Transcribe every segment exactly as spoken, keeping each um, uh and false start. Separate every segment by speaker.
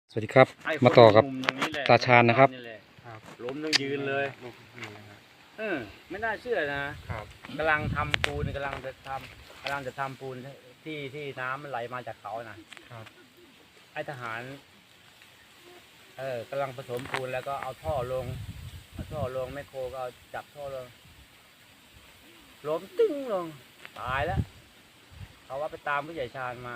Speaker 1: สวัสดีครับมาต่อกับตาชาญนะครับ
Speaker 2: ล้มต้องยืนเลยเออไม่น่าเชื่อนะครับกำลังทำปูนกำลังจะทำกำลังจะทำปูนที่ที่น้ำมันไหลมาจากเขานะครับไอ้ทหารเออกำลังผสมปูนแล้วก็เอาท่อลงเอาท่อลงแมคโครก็เอาจับท่อลงล้มตึ้งลงตายแล้วเขาว่าไปตามผู้ใหญ่ชาญมา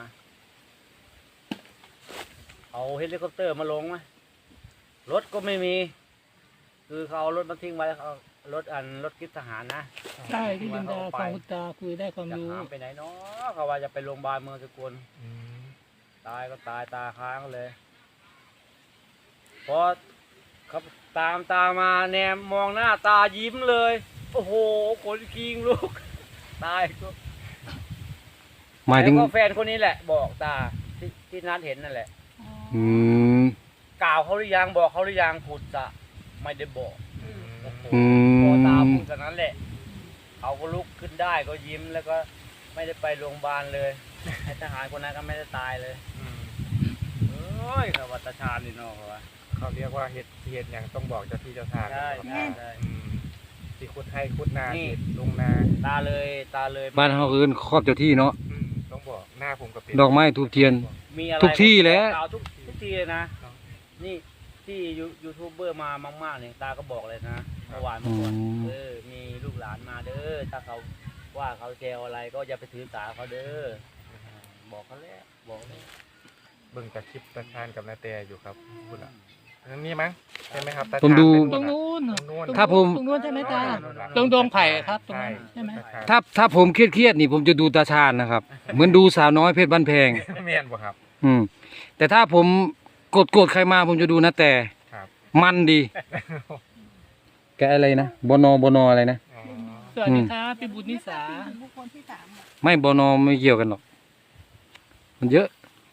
Speaker 2: เอาเฮลิคอปเตอร์มาลงไหมรถก็ไม่มีคือเขาเอารถมาทิ้งไว้เขารถอันรถกิฟทหารนะ
Speaker 3: ใช่ที่ดินดาฟังคุณตาคุยได้ความรู้
Speaker 2: จะหามไปไหนเนาะเขาว่าจะไปโรงพยาบาลเมืองสกลตายก็ตายตาค้างเลยพอเขาตามตามาแนมมองหน้าตายิ้มเลยโอ้โหขนคิงลูกตายก็
Speaker 1: หมายถึง
Speaker 2: แฟนคนนี้แหละบอกตาที่ที่นัดเห็นนั่นแหละ
Speaker 1: อืม
Speaker 2: กล่าวเขาหรือยังบอกเขาหรือยังพูดจะไม่ได้บอก
Speaker 1: อืม
Speaker 2: พอตาพูดกันนั้นแหละเขาก็ลุกขึ้นได้ก็ยิ้มแล้วก็ไม่ได้ไปโรงพยาบาลเลยทหารคนนั้นก็ไม่ได้ตายเลยเอ้ยเขาวัตชาญนี่เนาะเขาว่า
Speaker 4: เขาเรียกว่าเห็ดเห็ดอย่างต้องบอกเจ้าที่เจ้าทาง
Speaker 2: ใช่ใช่ใช่
Speaker 4: ที่คุดให้คุดนาเห็ดลงนา
Speaker 2: ตาเลยตาเลย
Speaker 1: บ้านเขาอื่นครอบเจ้าที่เนาะ
Speaker 4: ต้องบอกหน้าผมกับ
Speaker 1: ดอกไม้ทูบเทียนทุกที่แล้ว
Speaker 2: ทุกทุกที่เลยนะนี่ที่ยูทูบเบอร์มามากๆเนี่ยตาก็บอกเลยนะเมื่อวานเมื่อก่อนเออมีลูกหลานมาเด้อถ้าเขาว่าเขาแซวอะไรก็อย่าไปถือสาเขาเด้อบอกเขาแล้วบอกเลย
Speaker 4: เบิ่งจากคลิปตาชาญกับนาเตอยู่ครับคุณอ่ะนี่มั้งใช่ไหมครับ
Speaker 1: ผมดู
Speaker 3: ตรงนู้น
Speaker 1: ถ้าผม
Speaker 3: ตรงนู้นใช่ไหมตาตรงดงไผ่ครับตรงนั้นใช่ไหม
Speaker 1: ถ้าถ้าผมเครียดๆนี่ผมจะดูตาชาญนะครับเหมือนดูสาวน้อยเพชรบ้านแพง
Speaker 4: เมียนบ่ครับ
Speaker 1: อืมแต่ถ้าผมกดกดใครมาผมจะดูนะแต่มันดีแกอะไรนะบนบนอะไรนะ
Speaker 3: สวัสดีครับพี่บุญนิสา
Speaker 1: ไม่บนไม่เกี่ยวกันหรอกมันเยอะ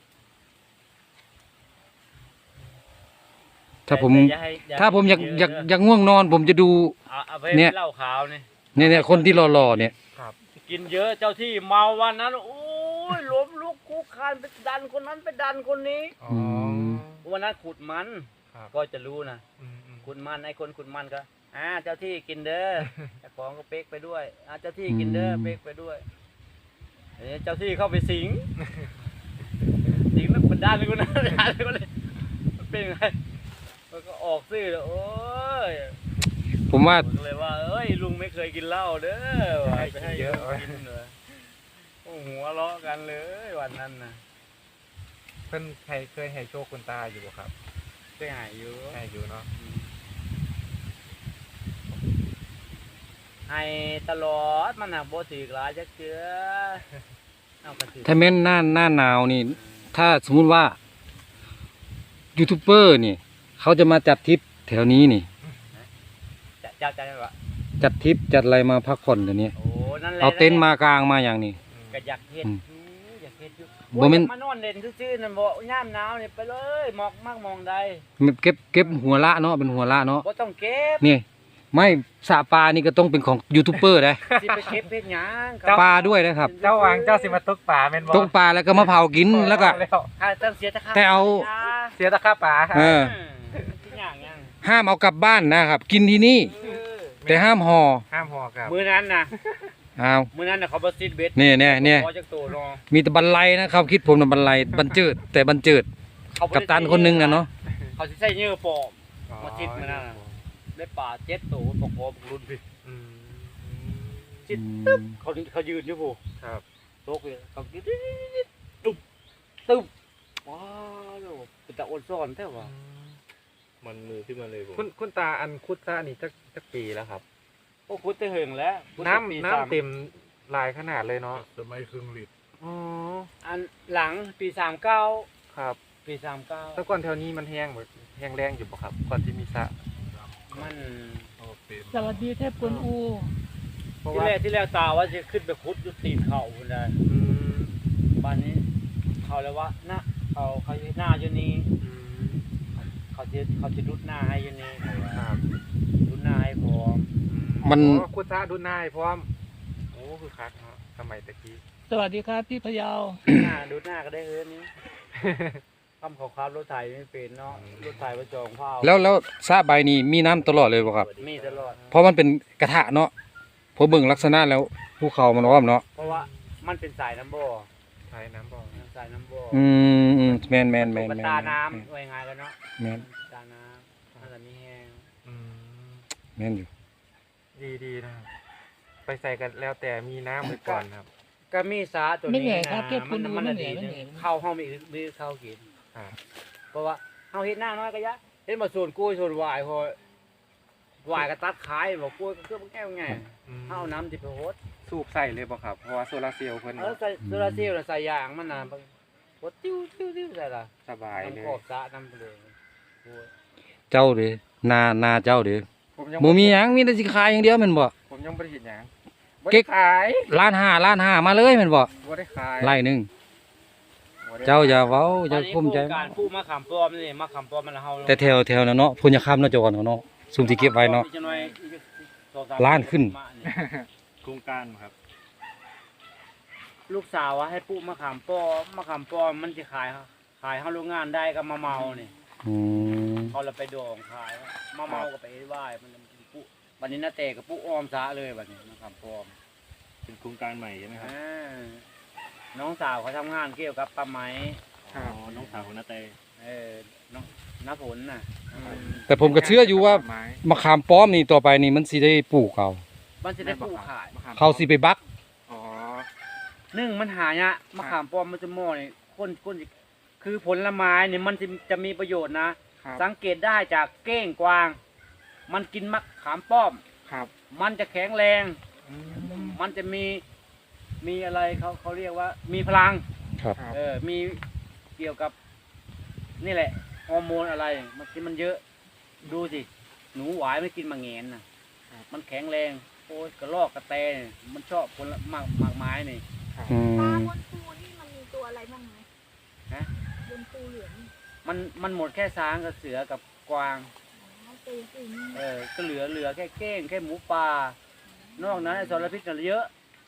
Speaker 1: ถ้าผมถ้าผมอยากอยากอยากง่วงนอนผมจะดูเนี่ย
Speaker 2: เหล้าขาวเนี่ย
Speaker 1: เนี่ยเนี่ยคนที่หล่อๆเนี่ย
Speaker 2: กินเยอะเจ้าที่เมาวันนั้นโอ้ยล้มลุกคุกคานไปดันคนนั้นไปดันคนนี้วันนั้นขุดมันก็จะรู้นะขุดมันไอ้คนขุดมันก็อ่าเจ้าที่กินเด้อเจ้าของก็เป๊กไปด้วยอ่าเจ้าที่กินเด้อเป๊กไปด้วยเจ้าที่เข้าไปสิงสิงแล้วมันดันคนนั้นดันคนนี้มันเป็นไงมันก็ออกซื่อเลยโอ้ย
Speaker 1: ผมว่า
Speaker 2: เลยว่าเอ้ยลุงไม่เคยกินเหล้าเด้อไปให้เยอะกินเลยโอ้หัวเลาะกันเลยวันนั้นนะ
Speaker 4: เพิ่นใครเคยให้โชคคุณตาอยู่บ่ครับ
Speaker 2: เคยหายอยู่
Speaker 4: ให้อยู่เนาะ
Speaker 2: ให้ตลอดมันหักโบถือกหลายจักเชื้อ
Speaker 1: ถ้าแม้นหน้าหน้าหนาวนี่ถ้าสมมุติว่ายูทูบเบอร์นี่เขาจะมาจัดทริปแถวนี้นี่
Speaker 2: จัดจัดจัดอะไร
Speaker 1: จัดทริปจัดอะไรมาพักผ่อนตัวนี้เอาเต็นท์มากลางมาอย่างนี้
Speaker 2: ก็อยากเห็นอยากเห็นอยู่บ่แม่นมานอนเล่นซื่อๆนั่นบ่ย่ามหนาวนี่ไปเลยหมอกมากมองใด
Speaker 1: เก็บเก็บหัวละเนาะเป็นหัวละเนาะ
Speaker 2: บ่ต้องเก็บ
Speaker 1: นี่ไม่สระปลานี่ก็ต้องเป็นของยูทูบเบอร์นะ
Speaker 2: สิไปเก็บเพชรหยัง
Speaker 1: ปลาด้วยนะครับ
Speaker 4: เจ้าวางเจ้าสิมาตกปลาแม่นบ่
Speaker 1: ตกปลาแล้วก็มาเผากินแล้วก็
Speaker 2: ต้องเสียตะค่า
Speaker 1: แต่เอา
Speaker 4: เสียตะค่าปลา
Speaker 1: เออห้ามเอากลับบ้านนะครับกินที่นี่แต่ห้ามห่อ
Speaker 4: ห้ามห่อครับ
Speaker 2: มื้อนั้นน่ะ
Speaker 1: อ้าว
Speaker 2: มื้อนั้นน่ะเขาบ่ซิดเบ็ด
Speaker 1: นี่ๆๆมีแต่บรรลัยนะครับคิดผมน่ะบรรลัยบรรเจิดแต่บรรเจิดกัปตันคนนึงน่ะเนาะ
Speaker 2: เขาสิใส่เหยื่อปลอมมาซิดมื้อนั้นได้ปลาเจ็ดตัวปกบรุ่นพี่จิตตึ๊บเขาเขายืนอยู่ผู้
Speaker 4: ครับ
Speaker 2: โต๊ะเลยเขากินตุ๊บตุ๊บว้าวเป็นตะอ้นซ้อนแท้ว่ะ
Speaker 4: มันมือขึ้นมาเลยผมคุณคุณตาอันคุดซ่านี่จักจักปีแล้วครับ
Speaker 2: โอ้คุดจะเหิงแล้ว
Speaker 4: น้ำน้ำเต็มลายขนาดเลยเนาะ
Speaker 5: สมัยครึ่งลิตร
Speaker 4: อ๋อ
Speaker 2: อันหลังปีสามเก้า
Speaker 4: ครับ
Speaker 2: ปีสามเก้า
Speaker 4: แต่ก่อนแถวนี้มันแห้งแบบแห้งแรงอยู่ป่ะครับก่อนที่มีสระ
Speaker 2: มัน
Speaker 3: สวัสดีเทพกวนอู
Speaker 2: ที่แรกที่แรกตาว่าจะขึ้นไปคุดยุติเขาคนใดบ้านนี้เขาเลยว่าหน้าเขาเขาหน้าอยู่นี่เขาจะเขาจะดุดหน้าให้อยู่นี่ดุดหน้าให้พร้อม
Speaker 1: มัน
Speaker 4: คุดซ่าดุดหน้าให้พร้อมโอ้คือคักเนาะสมัยตะกี้
Speaker 3: สวัสดีครับพี่พยาว
Speaker 2: หน้าดุดหน้าก็ได้เฮือนนี้ทำเขาขับรถไถไม่เป็นเนาะรถไถประจองเผา
Speaker 1: แล้วแล้วซาใบนี่มีน้ำตลอดเลยบ่ครับ
Speaker 2: มีตลอด
Speaker 1: เพราะมันเป็นกระทะเนาะพอเบิ่งลักษณะแล้วภูเขามันอ้อมเนาะ
Speaker 2: เพราะว่ามันเป็นสายน้ำบ่อ
Speaker 4: ใช้น้ำบ่อ
Speaker 2: สายน้ำบ่อ
Speaker 1: อืมอืมแม่นแม่นแม่น
Speaker 2: กับ
Speaker 1: แม่น
Speaker 2: ตาน้ำว่ายังไงกันเนาะ
Speaker 1: แม่น
Speaker 2: ตาน้ำนั่นแหละมีแห้ง
Speaker 4: อืม
Speaker 1: แม่นอยู่
Speaker 4: ดีดีนะครับไปใส่กันแล้วแต่มีน้ำไว้ก่อนครับ
Speaker 2: ก็มีสาตัว
Speaker 3: ไม่
Speaker 2: นี้
Speaker 3: เหนื่อย
Speaker 2: นะครับ
Speaker 3: เทียบคุ
Speaker 2: มั
Speaker 3: ณ
Speaker 2: น
Speaker 3: ดู
Speaker 2: มัน
Speaker 3: ไม่
Speaker 2: น่ะ
Speaker 3: เหนื่
Speaker 2: ดี
Speaker 3: อยไม่
Speaker 2: นะ
Speaker 3: เหนื่อย
Speaker 2: เข้าห้องมีมีเข้ากิน
Speaker 4: ครับ
Speaker 2: เพราะว่าเฮาเฮ็ดหน้าน้อยก็ยะเฮ็ดมาส่วนกล้วยส่วนหวายพอหวายก็ตัดขายบอกกล้วยก็คือมันแก้วไง
Speaker 4: อืม
Speaker 2: เฮาเอาน้ำที่ไปโฮด
Speaker 4: สูบใส่เลยบ่ครับเพราะว่าโซลาร์เซลล์เพิ่น
Speaker 2: เออใส่โซลาร์เซลล์น่ะใส่ยางมันน่ะโฮดติ้วติ้วติ้วใส่ล่ะ
Speaker 4: สบายเล
Speaker 2: น้ำ
Speaker 4: ย
Speaker 2: ขอบสระน้ำไปเลยโอ้ย
Speaker 1: เจ้าเด้นานาเจ้าเด้
Speaker 4: ผมยัง
Speaker 1: บ่มีหยังมีแต่สิขายอย่างเดียวแม่นบ่
Speaker 4: ผมยังบ่ได้เห็นหยังบ่
Speaker 1: เก๊
Speaker 4: ได้
Speaker 1: ก
Speaker 4: ขาย
Speaker 1: ล้านห้าล้านห้ามาเลยแม่นบ่
Speaker 4: บ่ได้ขาย
Speaker 1: ไร่หนึง
Speaker 4: บ่ได้
Speaker 1: เจ้าอย่าเว้าอย่า
Speaker 2: ตอนนี้
Speaker 1: ภูมิใจ
Speaker 2: โครงการผู้มะขามป้อมนี่มะขามป้อมมันเฮา
Speaker 1: แต่แถวแถวนั้นเนาะพุ่นจะค้ำเนาะเจ้าก่อนเนาะซุมที่เก็บไว้เนาะ
Speaker 2: อีกจังหน่อยอีกสองสาม
Speaker 1: ล้านขึ้น
Speaker 5: โครงการครับ
Speaker 2: ลูกสาวว่าให้ปลูกมะขามป้อมมะขามป้อมมันจะขายขายเฮาโรงงานได้ก็มาเมานี่
Speaker 1: อืม
Speaker 2: เขาเราไปดองขายมาเมาก็ไปไหว้มันปุ๊วันนี้นาเตกับปุ๊อ้อมซะเลยวันนี้มะขามป้อม
Speaker 5: เป็นโครงการใหม่ใช่ไหมครับ
Speaker 2: อ่าน้องสาวเขาทำงานเกี่ยวกับปลาไหม
Speaker 5: อ๋อ น้องสาวของนาเต
Speaker 2: เออน้องน้าผลน่ะอืม
Speaker 1: แต่ผมก็เชื่ออยู่ว่า
Speaker 4: ไม้
Speaker 1: มะขามป้อมนี่ต่อไปนี่มันสิได้ปลูกเอา
Speaker 2: มันจะได้ปลูกขาย
Speaker 4: มะขม
Speaker 1: เขาสิไปบัก
Speaker 4: อ๋อ
Speaker 2: นึ่งมันหายะมะขามป้อมมันจะหม้อนี่คนคนสิคือผลไม้เนี่ยมันจะจะมีประโยชน์นะ
Speaker 4: ครับ
Speaker 2: สังเกตได้จากเก้งกวาง มันกินมะขามป้อม
Speaker 4: ครับ
Speaker 2: มันจะแข็งแรง
Speaker 4: อืม
Speaker 2: มันจะมีมีอะไรเขาเขาเรียกว่า มีพลัง
Speaker 1: ครับ
Speaker 4: ครับ
Speaker 2: เออ มีเกี่ยวกับ นี่แหละ ฮอร์โมนอะไร มันกินมันเยอะ ดูสิ หนูหวายไม่กินมะเงนนะมันแข็งแรง โอ้ยกระรอกกระแตนี่มันชอบผลหมากหมากไม้นี่
Speaker 1: อื
Speaker 6: ปลาม บนปูนี่มันมีตัวอะไรบ้างไหม
Speaker 2: ฮะ
Speaker 6: บนปูเหลือง
Speaker 2: มันมันหมดแค่ช้างกับเสือกับกวาง
Speaker 6: อ๋อปูปูนี่
Speaker 2: เออ ก็เหลือเหลือแค่เก้งแค่หมูป่านอกนั้นไอ้สารพิษน่ะเยอะ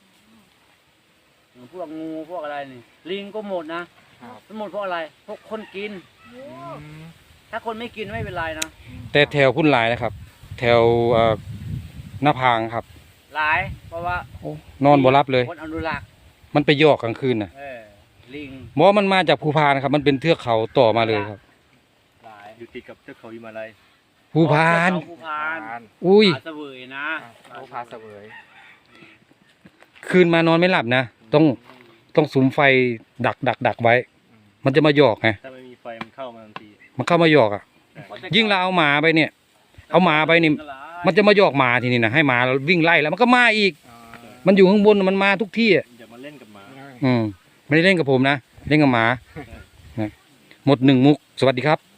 Speaker 2: พวกงูพวกอะไรนี่ ลิงก็หมดนะครับ มันหมดเพราะอะไร พวกคนกิน
Speaker 6: โอ้
Speaker 4: อืม
Speaker 2: ถ้าคนไม่กินไม่เป็นไรนะ
Speaker 1: แต่แถวพุ่นหลายนะครับ แถวเอ่อหน้าพางครับ
Speaker 2: หลาย เพราะว่า
Speaker 1: โอ้นอนบ่รับเลย
Speaker 2: คนอนุรักษ์
Speaker 1: มันไปยอกกลางคืนน่ะ
Speaker 2: เออ ลิง
Speaker 1: เพราะว่ามันมาจากภูพานครับ มันเป็นเทือกเขาต่อมาเลยครับ
Speaker 2: หลาย
Speaker 5: อยู่ติดกับเทือกเขาหิมาลัย
Speaker 1: ภูพาน
Speaker 2: เขภูพาน
Speaker 4: ทาน
Speaker 1: อุ้ย
Speaker 2: ผาเสวยนะ
Speaker 4: โอ้พาเสวย
Speaker 1: คืนมานอนไม่หลับนะ ต้องต้องสุมไฟดักดักดักไว้ มันจะมาหยอกไง
Speaker 5: ถ้าไม่มีไฟมันเข้ามาทันที
Speaker 1: มันเข้ามาหยอกอ่ะ ยิ่งเราเอาหมาไปเนี่ย เอาหมาไปนี่ มันจะมาหยอกหมาทีนี้นะให้หมาเราวิ่งไล่แล้วมันก็มาอีก
Speaker 4: อ๋อ
Speaker 1: มันอยู่ข้างบนมันมาทุกที่อ่ะ
Speaker 5: อย่ามาเล่นกับหมา
Speaker 1: อืมไม่ได้เล่นกับผมนะ เล่นกับหมานะหมดหนึ่งมุก สวัสดีครับ